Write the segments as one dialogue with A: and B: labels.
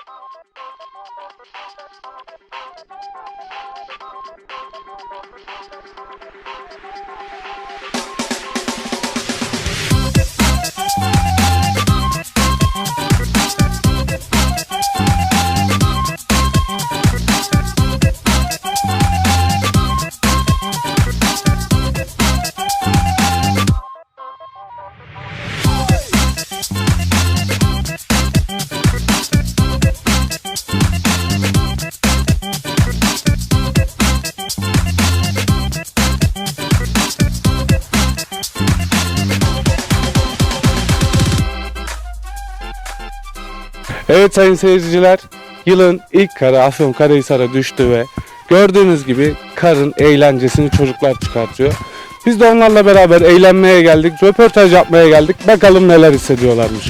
A: Evet sayın seyirciler, yılın ilk karı Afyonkarahisar'a düştü ve gördüğünüz gibi karın eğlencesini çocuklar çıkartıyor. Biz de onlarla beraber eğlenmeye geldik, röportaj yapmaya geldik. Bakalım neler hissediyorlarmış.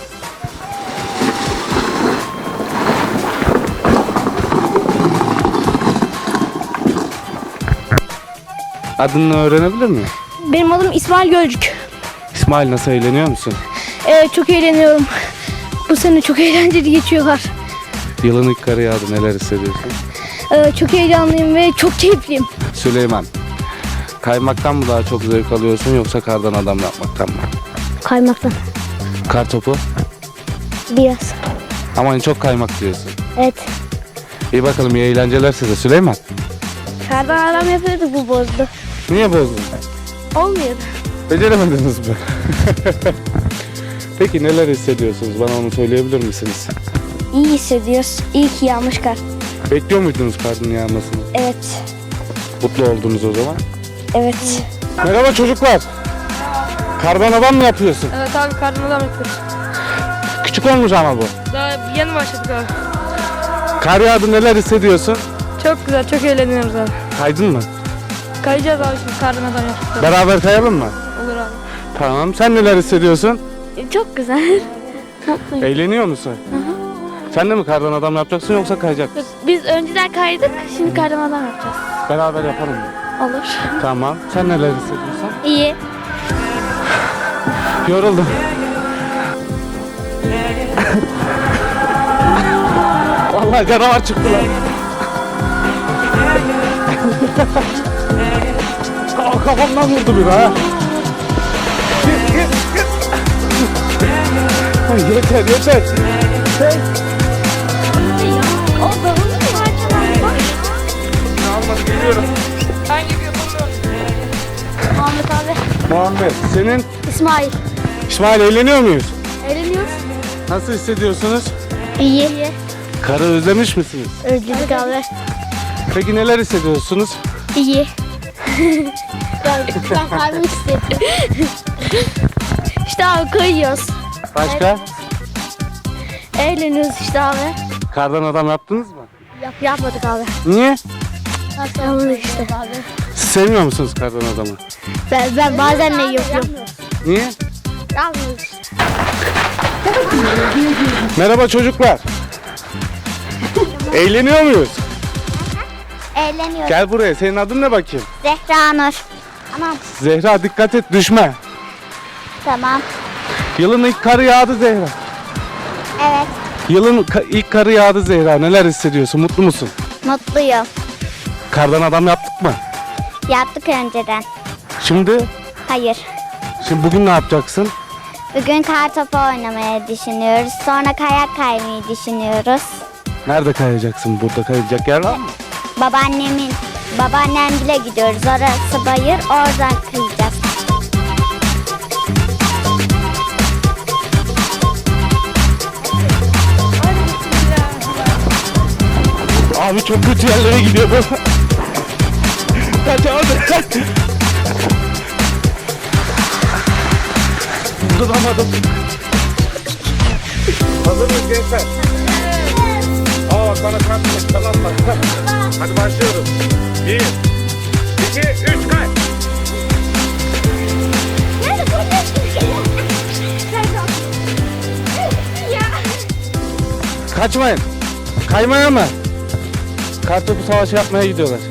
A: Adını öğrenebilir miyim?
B: Benim adım İsmail Gölcük.
A: İsmail, nasıl eğleniyor musun?
B: Çok eğleniyorum. Bu sene çok eğlenceli geçiyorlar.
A: Yılın ilk karı yağdı, neler hissediyorsun?
B: Çok heyecanlıyım ve çok keyifliyim.
A: Süleyman, kaymaktan mı daha çok zevk alıyorsun yoksa kardan adam yapmaktan mı?
B: Kaymaktan.
A: Kar topu?
B: Biraz.
A: Ama en çok kaymak diyorsun.
B: Evet.
A: İyi bakalım, iyi eğlenceler size Süleyman.
B: Kardan adam yapıyorduk, bu bozdu.
A: Niye bozdun?
B: Olmuyordu.
A: Beceremediniz mi? Peki neler hissediyorsunuz? Bana onu söyleyebilir misiniz?
B: İyi hissediyoruz. İyi ki yağmış kar.
A: Bekliyor muydunuz karın yağmasını?
B: Evet.
A: Mutlu oldunuz o zaman.
B: Evet.
A: Merhaba çocuklar. Kardan adam mı yapıyorsun?
C: Evet abi, kardan adam yapıyoruz.
A: Küçük olmuş ama bu.
C: Daha yeni başladık abi.
A: Kar yağdı, neler hissediyorsun?
C: Çok güzel, çok eğleniyoruz abi.
A: Kaydın mı?
C: Kayacağız abi şimdi, kardan adam yapıyoruz.
A: Beraber kayalım mı?
C: Olur abi.
A: Tamam. Sen neler hissediyorsun?
B: Çok güzel. Mutluyum.
A: Eğleniyor musun? Sen de mi kardan adam yapacaksın yoksa kayacak mısın?
B: Biz önceden kaydık, şimdi kardan adam yapacağız.
A: Beraber yapalım mı?
B: Olur.
A: Tamam. Sen neler hissediyorsun?
B: İyi.
A: Yoruldum. Vallahi canavar çıktı lan. Kafamdan vurdu bir ha. Ay, yeter yeter.
B: O davulun parçalandı.
A: Ne almadı, geliyorum.
C: Ben gibi yapamıyorum.
B: Muhammed abi.
A: Muhammed, senin
B: İsmail.
A: İsmail, eğleniyor muyuz?
B: Eğleniyoruz.
A: Nasıl hissediyorsunuz?
B: İyi.
A: Karı özlemiş misiniz?
B: Özledik abi.
A: Peki neler hissediyorsunuz?
B: İyi. Ben kalbimi hissettim. İşte abi kayıyoruz.
A: Başka?
B: Eğleniyoruz işte abi.
A: Kardan adam yaptınız mı?
B: Yapmadık abi.
A: Niye?
B: Yapmadık işte.
A: Siz sevmiyor musunuz kardan adamı?
B: Ben bazen ne yapıyorum.
A: Niye?
B: Yapmıyoruz işte.
A: Merhaba çocuklar. Eğleniyor muyuz?
B: Eğleniyoruz.
A: Gel buraya. Senin adın ne bakayım?
B: Zehra Nur. Tamam.
A: Zehra, dikkat et, düşme.
B: Tamam.
A: Yılın ilk karı yağdı Zehra.
B: Evet.
A: Yılın ilk karı yağdı Zehra. Neler hissediyorsun? Mutlu musun?
B: Mutluyum.
A: Kardan adam yaptık mı?
B: Yaptık önceden.
A: Şimdi
B: Hayır.
A: bugün ne yapacaksın?
B: Bugün kar topu oynamayı düşünüyoruz. Sonra kayak kaymayı düşünüyoruz.
A: Nerede kayacaksın? Burada kayacak yer var mı?
B: Babaannemle gidiyoruz. Orası bayır, oradan kayacağız.
A: Abi çok kötü yerlere gidiyor bu. Kaç abi. Duramadım. Hazır mıyız gençler? Aa, bana kalkmış. Tamam bak. Hadi başlıyoruz. 1, 2, 3, kay. Kaçmayın. Kaymaya mı? Kartopu savaşı yapmaya gidiyorlar.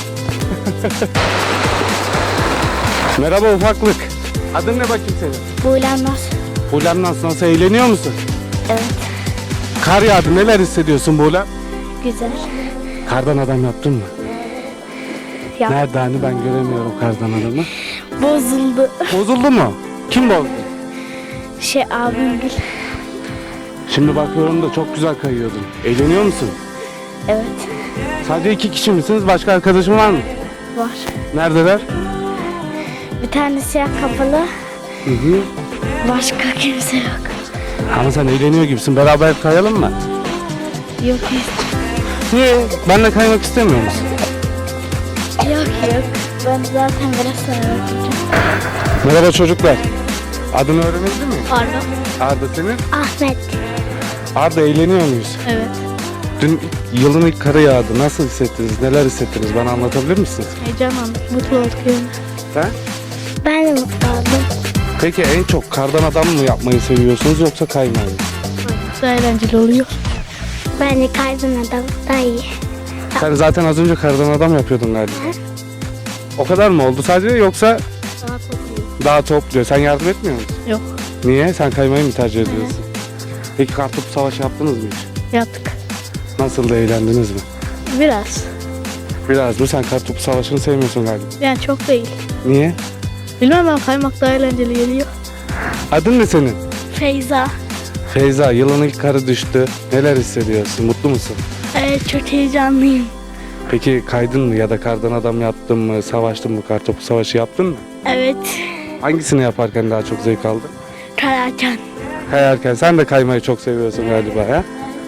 A: Merhaba ufaklık. Adın ne bakayım senin?
B: Buğulanmaz.
A: Ulan nasıl eğleniyor musun?
B: Evet.
A: Kar yağdı. Neler hissediyorsun Buğla?
B: Güzel.
A: Kardan adam yaptın mı?
B: Yap.
A: Nerede hani ben göremiyorum kardan adamı.
B: Bozuldu.
A: Bozuldu mu? Kim bozdu?
B: Abim gül.
A: Şimdi bakıyorum da çok güzel kayıyordun. Eğleniyor musun?
B: Evet.
A: Sadece 2 kişi misiniz? Başka arkadaşın var mı?
B: Var.
A: Neredeler?
B: Bir tane siyah kapalı.
A: Hı hı.
B: Başka kimse yok.
A: Ama sen eğleniyor gibisin. Beraber kayalım mı?
B: Yok
A: Niye? Benle kaymak istemiyor musun?
B: Yok. Ben zaten biraz sonra bakacağım.
A: Merhaba çocuklar. Adını öğrenebildin mi?
B: Pardon.
A: Arda senin?
B: Ahmet.
A: Arda eğleniyor muyuz?
C: Evet.
A: Dün yılın ilk karı yağdı. Nasıl hissettiniz? Neler hissettiniz? Bana anlatabilir misiniz?
C: Heyecanlandık. Mutlu olduk yani.
A: Sen?
B: Ben de mutlu oldum.
A: Peki en çok kardan adam mı yapmayı seviyorsunuz yoksa kaymayı mı?
C: Daha eğlenceli oluyor.
B: Bence kaydın adam daha iyi.
A: Sen zaten az önce kardan adam yapıyordun galiba. O kadar mı oldu sadece yoksa
C: Daha topluyor.
A: daha topluyor? Sen yardım etmiyor musun?
C: Yok.
A: Niye? Sen kaymayı mı tercih ediyorsun? Peki kartopu savaşı yaptınız mı hiç?
C: Yaptık.
A: Nasıl da eğlendiniz mi?
C: Biraz.
A: Biraz mı? Sen kartopu savaşını sevmiyorsun galiba.
C: Yani çok değil.
A: Niye?
C: Bilmem ben kaymak daha eğlenceli geliyor.
A: Adın ne senin?
B: Feyza.
A: Feyza, yılın ilk karı düştü. Neler hissediyorsun? Mutlu musun?
B: Evet, çok heyecanlıyım.
A: Peki kaydın mı ya da kardan adam yaptın mı? Savaştın mı? Kartopu savaşı yaptın mı?
B: Evet.
A: Hangisini yaparken daha çok zevk aldın?
B: Karacan.
A: Kayarken. Sen de kaymayı çok seviyorsun galiba ya.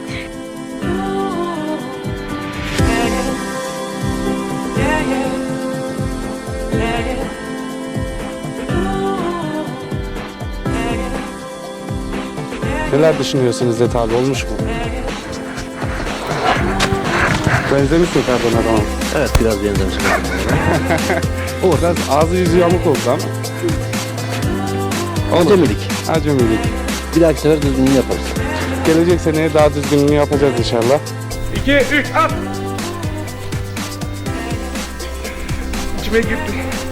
A: Neler düşünüyorsunuz İzzet abi? Olmuş mu? Benzemiş mi kardan adama?
D: Evet biraz benzemiş.
A: O biraz ağzı yüzü yamuk oldu ama.
D: Acemilik.
A: Acemilik.
D: Bir dahaki sefer düzgününü yaparız.
A: Gelecek seneye daha düzgününü yapacağız inşallah. 2, 3, at! İçime girdi.